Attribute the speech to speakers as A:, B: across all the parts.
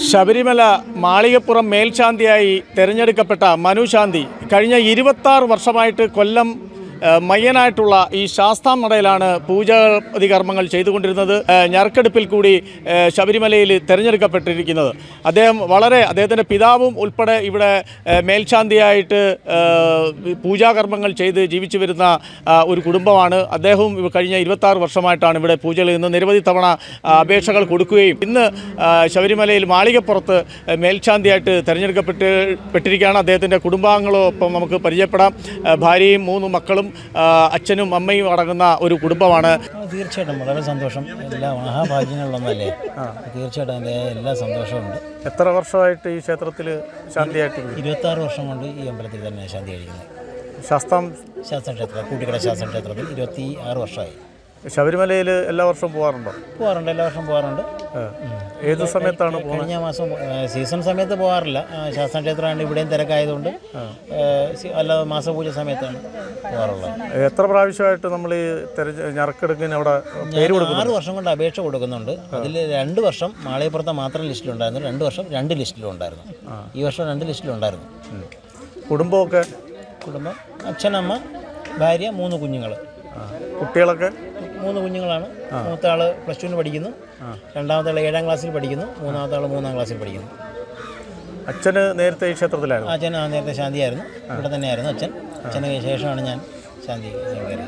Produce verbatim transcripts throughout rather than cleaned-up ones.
A: ശബരിമല മാളികപ്പുറം മേൽശാന്തിയായി തിരഞ്ഞെടുക്കപ്പെട്ട മനു ശാന്തി കഴിഞ്ഞ ഇരുപത്താറ് വർഷമായിട്ട് കൊല്ലം മയ്യനായിട്ടുള്ള ഈ ശാസ്താംനടയിലാണ് പൂജാതി കർമ്മങ്ങൾ ചെയ്തുകൊണ്ടിരുന്നത്. ഞറുക്കെടുപ്പിൽ കൂടി ശബരിമലയിൽ തിരഞ്ഞെടുക്കപ്പെട്ടിരിക്കുന്നത് അദ്ദേഹം വളരെ അദ്ദേഹത്തിൻ്റെ പിതാവും ഉൾപ്പെടെ ഇവിടെ മേൽശാന്തിയായിട്ട് പൂജാകർമ്മങ്ങൾ ചെയ്ത് ജീവിച്ചു വരുന്ന ഒരു കുടുംബമാണ്. അദ്ദേഹവും കഴിഞ്ഞ ഇരുപത്താറ് വർഷമായിട്ടാണ് ഇവിടെ പൂജകൾ ഇന്ന് നിരവധി തവണ അപേക്ഷകൾ കൊടുക്കുകയും ഇന്ന് ശബരിമലയിൽ മാളികപ്പുറത്ത് മേൽശാന്തിയായിട്ട് തിരഞ്ഞെടുക്കപ്പെട്ട് പെട്ടിരിക്കുകയാണ്. അദ്ദേഹത്തിൻ്റെ കുടുംബാംഗങ്ങളൊപ്പം നമുക്ക് പരിചയപ്പെടാം. ഭാര്യയും മൂന്ന് മക്കളും അച്ഛനും അമ്മയും അടങ്ങുന്ന ഒരു കുടുംബമാണ്.
B: തീർച്ചയായിട്ടും വളരെ സന്തോഷം. എല്ലാ മഹാഭാഗ്യങ്ങളിലൊന്നല്ലേ, തീർച്ചയായിട്ടും അതിൻ്റെ എല്ലാ സന്തോഷമുണ്ട്.
A: എത്ര വർഷമായിട്ട് ഈ ക്ഷേത്രത്തിൽ ശാന്തിയായിട്ട്?
B: ഇരുപത്താറ് വർഷം കൊണ്ട് ഈ അമ്പലത്തിൽ തന്നെ ശാന്തി കഴിക്കുന്നത്.
A: ശാസ്താം
B: ശാസ്ത്രക്ഷേത്രം കൂട്ടിക്കട ശാസ്ത്രക്ഷേത്രത്തിൽ ഇരുപത്തി ആറ് വർഷമായി.
A: ശബരിമലയിൽ എല്ലാ വർഷവും പോകാറുണ്ടോ?
B: പോകാറുണ്ട്, എല്ലാ വർഷം പോകാറുണ്ട്.
A: ഏത് സമയത്താണ്?
B: കഴിഞ്ഞ മാസം സീസൺ സമയത്ത് പോകാറില്ല. ശാസ്ത്രക്ഷേത്രമാണ് ഇവിടെയും തിരക്കായതുകൊണ്ട് അല്ലാതെ മാസപൂജ സമയത്താണ് പോകാറുള്ളത്.
A: എത്ര പ്രാവശ്യമായിട്ട് നമ്മൾ ഈ ഞറുക്കെടുക്കുന്ന അവിടെ പേര് കൊടുക്കുന്നു?
B: ആറ് വർഷം കൊണ്ട് അപേക്ഷ കൊടുക്കുന്നുണ്ട്. അതിൽ രണ്ട് വർഷം മാളികപ്പുറത്തെ മാത്രം ലിസ്റ്റിലുണ്ടായിരുന്നു, രണ്ട് വർഷം രണ്ട് ലിസ്റ്റിലുണ്ടായിരുന്നു. ഈ വർഷം രണ്ട് ലിസ്റ്റിലുണ്ടായിരുന്നു.
A: കുടുംബമൊക്കെ?
B: കുടുംബം അച്ഛനമ്മ ഭാര്യ മൂന്ന് കുഞ്ഞുങ്ങൾ.
A: കുട്ടികളൊക്കെ?
B: മൂന്ന് കുഞ്ഞുങ്ങളാണ്. മൂത്ത ആൾ പ്ലസ് ടുവിന് പഠിക്കുന്നു, രണ്ടാമത്തെ ആൾ ഏഴാം ക്ലാസ്സിൽ പഠിക്കുന്നു, മൂന്നാമത്തെ ആൾ മൂന്നാം ക്ലാസ്സിൽ പഠിക്കുന്നു.
A: അച്ഛന് നേരത്തെ ഈ ക്ഷേത്രത്തിലായിരുന്നു?
B: അച്ഛൻ നേരത്തെ ശാന്തിയായിരുന്നു, ഇവിടെ തന്നെയായിരുന്നു അച്ഛൻ. അച്ഛന് ശേഷമാണ് ഞാൻ ശാന്തി കയറിയത്.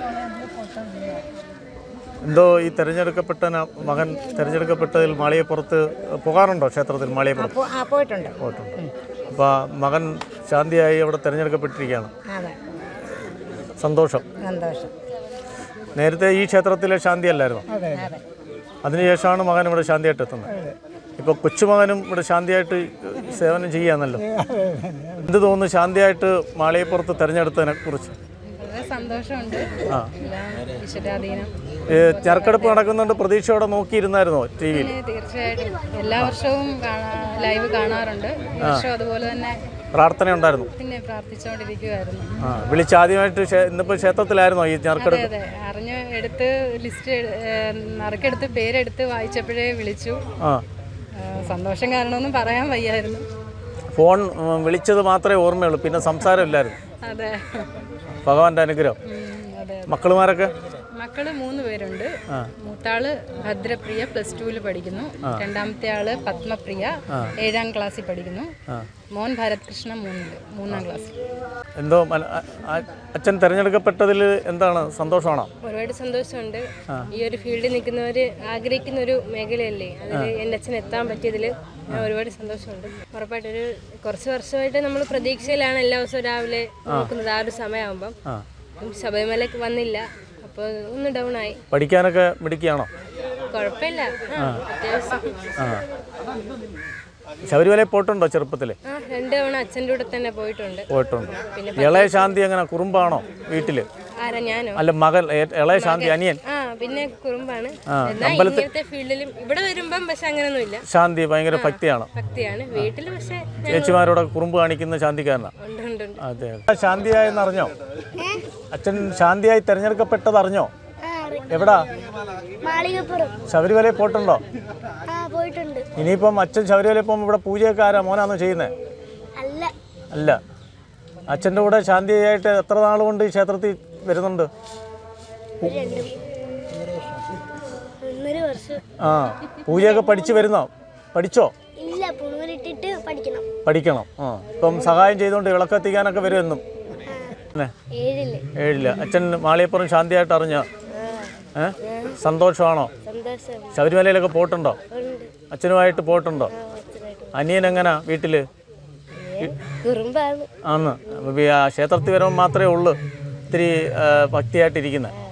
A: എന്തോ ഈ തിരഞ്ഞെടുക്കപ്പെട്ട മകൻ തിരഞ്ഞെടുക്കപ്പെട്ടതിൽ മാളികപ്പുറത്ത് പോകാറുണ്ടോ? ക്ഷേത്രത്തിൽ മാളികപ്പുറത്ത്
C: പോയിട്ടുണ്ട്
A: പോയിട്ടുണ്ട് അപ്പോൾ മകൻ ശാന്തിയായി അവിടെ തിരഞ്ഞെടുക്കപ്പെട്ടിരിക്കുകയാണ്. സന്തോഷം.
C: സന്തോഷം.
A: നേരത്തെ ഈ ക്ഷേത്രത്തിലെ ശാന്തി അല്ലായിരുന്നു? അതിനുശേഷമാണ് മകൻ ഇവിടെ ശാന്തിയായിട്ട് എത്തുന്നത്. ഇപ്പോൾ കൊച്ചുമകനും ഇവിടെ ശാന്തിയായിട്ട് സേവനം ചെയ്യാന്നല്ലോ. എന്ത് തോന്നുന്നു ശാന്തിയായിട്ട് മാളികപ്പുറത്ത് തിരഞ്ഞെടുത്തതിനെ കുറിച്ച്?
C: സന്തോഷമുണ്ട്.
A: ആ, ഞറുക്കെടുപ്പ് നടക്കുന്നുണ്ട്, പ്രതീക്ഷയോടെ നോക്കിയിരുന്നായിരുന്നോ ടി വിയിൽ?
C: തീർച്ചയായിട്ടും എല്ലാ വർഷവും ലൈവ് കാണാറുണ്ട്. അതുപോലെ തന്നെ
A: പ്രാർത്ഥന ഉണ്ടായിരുന്നു,
C: പിന്നെ പ്രാർത്ഥിച്ചുകൊണ്ടിരിക്കുവായിരുന്നു.
A: ആ, വിളിച്ചാദ്യമായിട്ട് ഇന്നിപ്പോൾ ക്ഷേത്രത്തിലായിരുന്നോ ഈ ഞറുക്കെടുപ്പ്?
C: അതെ, അറിഞ്ഞ് എടുത്ത് ലിസ്റ്റ് നറുക്കെടുത്ത് പേരെടുത്ത് വായിച്ചപ്പോഴേ വിളിച്ചു.
A: ആ,
C: സന്തോഷം കാരണമൊന്നും പറയാൻ വയ്യായിരുന്നു.
A: ഫോൺ വിളിച്ചത് മാത്രമേ ഓർമ്മയുള്ളൂ, പിന്നെ സംസാരമില്ലായിരുന്നു.
C: അതെ,
A: ഭഗവാന്റെ അനുഗ്രഹം. മക്കളുമാരൊക്കെ? മക്കള്
C: മൂന്ന് പേരുണ്ട്. മൂത്താള് ഭദ്രപ്രിയ പ്ലസ് ടുവിൽ പഠിക്കുന്നു, രണ്ടാമത്തെ ആള് പത്മപ്രിയ ഏഴാം ക്ലാസ്സിൽ പഠിക്കുന്നു, മോൻ ഭരത് കൃഷ്ണ മൂന്നില് മൂന്നാം ക്ലാസ്സിൽ.
A: എന്തോ അച്ഛൻ തിരഞ്ഞെടുക്കപ്പെട്ടതിൽ എന്താണ് സന്തോഷമാണോ?
D: ഒരുപാട് സന്തോഷമുണ്ട്. ഈ ഒരു ഫീൽഡിൽ നിൽക്കുന്നവർ ആഗ്രഹിക്കുന്ന ഒരു മേഖലയല്ലേ, അതിൽ എൻ്റെ അച്ഛൻ എത്താൻ പറ്റിയതിൽ ഒരുപാട് സന്തോഷമുണ്ട്. ഉറപ്പായിട്ടൊരു കുറച്ച് വർഷമായിട്ട് നമ്മൾ പ്രതീക്ഷയിലാണ് എല്ലാ ദിവസവും രാവിലെ നോക്കുന്നത്. ആ ഒരു സമയമാകുമ്പം ശബരിമലക്ക് വന്നില്ല, അപ്പോൾ ഒന്ന് ഡൗൺ ആയി.
A: പഠിക്കാനൊക്കെ മിടുക്കിയാണോ?
D: കുഴപ്പമില്ല, അത്യാവശ്യം.
A: ശബരിമലയിൽ പോയിട്ടുണ്ടോ ചെറുപ്പത്തില്?
D: രണ്ട് തവണ അച്ഛൻ്റെ കൂടെ തന്നെ പോയിട്ടുണ്ട്.
A: പോയിട്ടുണ്ട്. ഇളയ ശാന്തി എങ്ങനെ കുറുമ്പാണോ വീട്ടില്?
D: ആരാ? ഞാനോ?
A: അല്ല, മകൻ ഇളയ ശാന്തി അനിയൻ.
D: ആ, പിന്നെ കുറുമ്പാണ്. ഇങ്ങനത്തെ ഫീൽഡിലും ഇവിടെ വരുമ്പം പക്ഷെ അങ്ങനെയൊന്നുമില്ല.
A: ശാന്തി ഭയങ്കര ഭക്തിയാണ്.
D: ഭക്തിയാണ് വീട്ടില്. പക്ഷെ
A: ചേച്ചിമാരോടെ കുറുമ്പ് കാണിക്കുന്ന ശാന്തിക്കാരനാ. അതെ. ശാന്തിയായെന്ന് അറിഞ്ഞോ? അച്ഛൻ ശാന്തിയായി തെരഞ്ഞെടുക്കപ്പെട്ടത് അറിഞ്ഞോ? എവിടാ? ശബരിമലയിൽ പോയിട്ടുണ്ടോ? ഇനിയിപ്പം അച്ഛൻ ശബരിമലയിൽ പോകുമ്പോൾ ഇവിടെ പൂജയൊക്കെ ആരാ? മോനാണോ ചെയ്യുന്നത്? അല്ല. അച്ഛൻ്റെ കൂടെ ശാന്തിയായിട്ട് എത്ര നാൾ കൊണ്ട് ഈ ക്ഷേത്രത്തിൽ വരുന്നുണ്ട്? ആ, പൂജയൊക്കെ പഠിച്ചു വരുന്നോ? പഠിച്ചോ? പഠിക്കണം. ആ, ഇപ്പം സഹായം ചെയ്തുകൊണ്ട് വിളക്കെത്തിക്കാനൊക്കെ വരുമെന്നും. ഏഴില്ല. അച്ഛൻ മാളികപ്പുറം ശാന്തിയായിട്ട് അറിഞ്ഞോ? ഏ, സന്തോഷമാണോ? ശബരിമലയിലൊക്കെ പോയിട്ടുണ്ടോ? അച്ഛനുമായിട്ട് പോയിട്ടുണ്ടോ? അനിയൻ എങ്ങനാ വീട്ടില്? ആന്ന് ക്ഷേത്രത്തിൽ വരുമ്പോൾ മാത്രമേ ഉള്ളൂ ഇത്തിരി ഭക്തിയായിട്ടിരിക്കുന്നത്.